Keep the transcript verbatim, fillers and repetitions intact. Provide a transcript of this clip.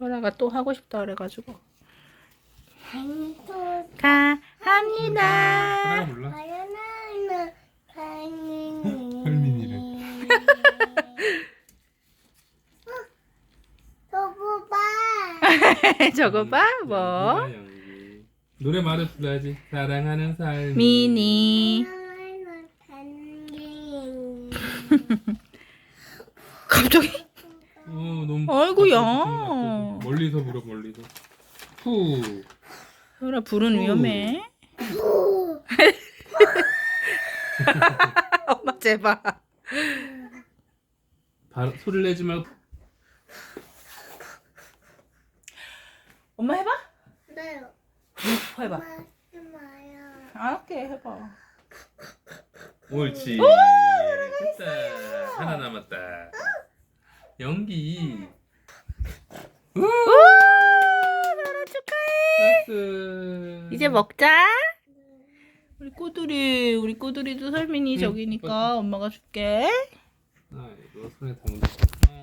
소라가 또 하고 싶다 그래가지고. 생일 가, 합니다. 하나 불러. 하연아는 생일. 헐민이래. 저거 봐. 저거 봐, 뭐. 연기야, 연기. 노래 말을 불러야지. 사랑하는 삶. 미니. 하연아는 생일. 갑자기? 어, 너무. 아이고야. 나쁘지. 멀리서 불어, 멀리서. 후. 소라 불은 위험해. 엄마 제발. 바, 소리를 내지 말고. 엄마 해봐. 네. 해봐. 하지 마요. 알게 해봐. 옳지. 됐다. 하나 남았다. 연기. 우! 소라 축하해. 박수. 이제 먹자. 우리 꼬들이, 우리 꼬들이도 설민이 응, 저기니까 맞다. 엄마가 줄게. 아, 이거 손에 담은.